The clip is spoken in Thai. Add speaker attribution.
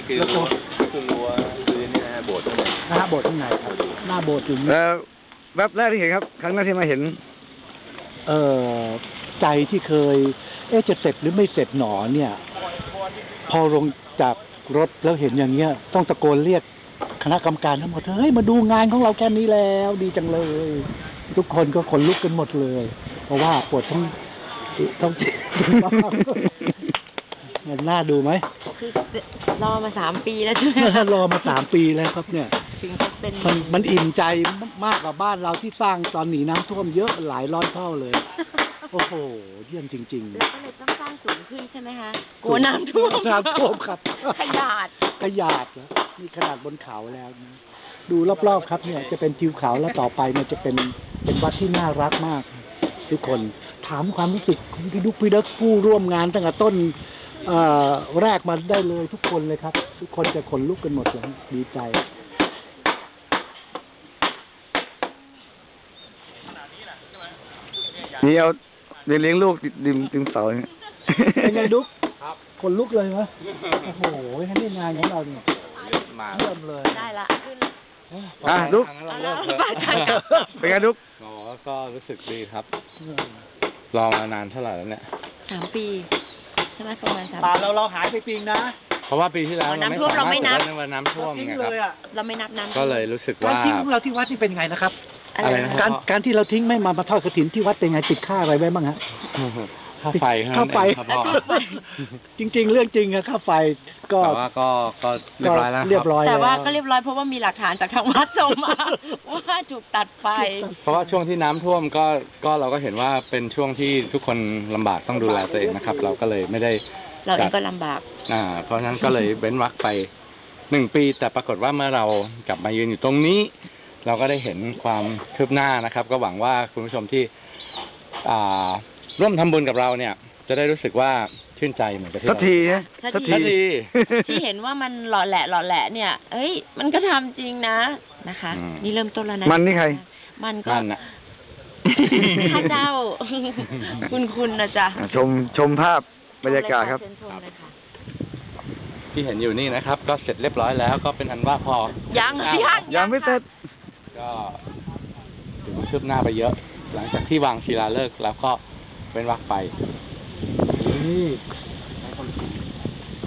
Speaker 1: คือรั้วพื้นนี่นะฮะโบสถ์ข้างใน
Speaker 2: หน้าโบสถ์ข้างในครับหน้าโบสถ์ถึง
Speaker 3: แล้วแวบแรกที่เห็นครับ ครั้งแรกที่มาเห็น
Speaker 2: ใจที่เคยจะเสร็จหรือไม่เสร็จหนอเนี่ย พอลงจากรถแล้วเห็นอย่างเงี้ย ต้องตะโกนเรียกคณะกรรมการทั้งหมดเฮ้ยมาดูงานของเราแค่นี้แล้วดีจังเลย ทุกคนก็ขนลุกกันหมดเลย เพราะว่าปวดต้องเห็นหน้าดูไหม
Speaker 4: คือรอมา3 ปีแล้วใช่ไหม
Speaker 2: รอมา3 ปีแล้วครับเนี่ย
Speaker 4: ถึงจะเป็น
Speaker 2: มันอิ่มใจมากกว่าบ้านเราที่สร้างตอนหนีน้ำท่วมเยอะหลายร้อยเท่าเลยโอ้โหเยี่ยมจริงๆ
Speaker 4: แล้วก็เลยต้องสร้างสูงขึ้นใช่ไหมคะกลัวน้ำท่วม
Speaker 2: ครับ
Speaker 4: ขยาด
Speaker 2: นี่ขนาดบนเขาแล้วนะดูรอบๆครับเนี่ยจะเป็นทิวเขาแล้วต่อไปเนี่ยจะเป็นวัดที่น่ารักมากทุกคนถามความรู้สึกของพี่ดุ๊กพี่ดักผู้ร่วมงานตั้งแต่ต้นแรกมาได้เลยทุกคนเลยครับทุกคนจะขนลุกกันหมดเลยดีใจ
Speaker 3: นี่เอาเลี้ยงลูกดึงเสาเนี่ย
Speaker 2: เป็นไงดุ๊กขนลุกเลยไหมโอ้โหนี่งานของเราเนี่ยเริ่มเลย
Speaker 4: ได้ละขึ้น
Speaker 3: ดุ๊กเป็นไงดุ๊ก
Speaker 1: ก็รู้สึกดีครับรอมานานเท่าไหร่แล้วเนี่ย
Speaker 4: 3 ปีใช่ไหมประมาณ3 ปี
Speaker 2: เราหายไปปีนะ
Speaker 1: เพราะว่าปีที่แล้ว
Speaker 4: น้ำท่วมเราไม่นับ
Speaker 1: น้ำท่วมไงครับ
Speaker 4: เราไม่นับน้ำ
Speaker 1: ก็เลยรู้สึกว่า
Speaker 2: การทิ้งของเราที่วัดนี่เป็นไงนะครับ
Speaker 4: อะไรนะ
Speaker 2: การที่เราทิ้งไม่มาทอดกฐินที่วัดเป็นไงติดค่าอะไรไว้บ้างฮะ
Speaker 1: ค่าไฟ
Speaker 2: จริงๆเรื่องจริงอะค่าไฟก็
Speaker 1: แต่ว่าก็เรียบร้อยแล้ว
Speaker 4: แต่ว่าก็เรียบร้อยเพราะว่ามีหลักฐานจากทางวัดส่งมาว่าถูกตัดไฟ
Speaker 1: เพราะว่าช่วงที่น้ำท่วมก็เราก็เห็นว่าเป็นช่วงที่ทุกคนลำบากต้องดูแลตัวเองนะครับเราก็เลยไม่ได้
Speaker 4: เราเองก็ลำบาก
Speaker 1: เพราะฉะนั้นก็เลยเว้นวรรคไป1 ปีแต่ปรากฏว่าเมื่อเรากลับมายืนอยู่ตรงนี้เราก็ได้เห็นความคืบหน้านะครับก็หวังว่าคุณผู้ชมที่ร่วมทำบุญกับเราเนี่ยจะได้รู้สึกว่าชื่นใจเหมือนกับที่
Speaker 3: สักที
Speaker 4: ที่เห็นว่ามันหล่อแหละเนี่ยเอ้ยมันก็ทำจริงนะนะคะนี่เริ่มต้นแล้วนะ
Speaker 3: มันนี่ใคร
Speaker 4: มันก็ข้าเจ้าคุณนะจ๊ะ
Speaker 3: ชมภาพบรรยากาศครับ
Speaker 1: ที่เห็นอยู่นี่นะครับก็เสร็จเรียบร้อยแล้วก็เป็นอันว่าพอ
Speaker 3: ยังไม่เสร็จ
Speaker 1: ก็ถึงคืบหน้าไปเยอะหลังจากที่วางศิลาฤกษ์แล้วก็เป็นวรรคไป
Speaker 2: นี่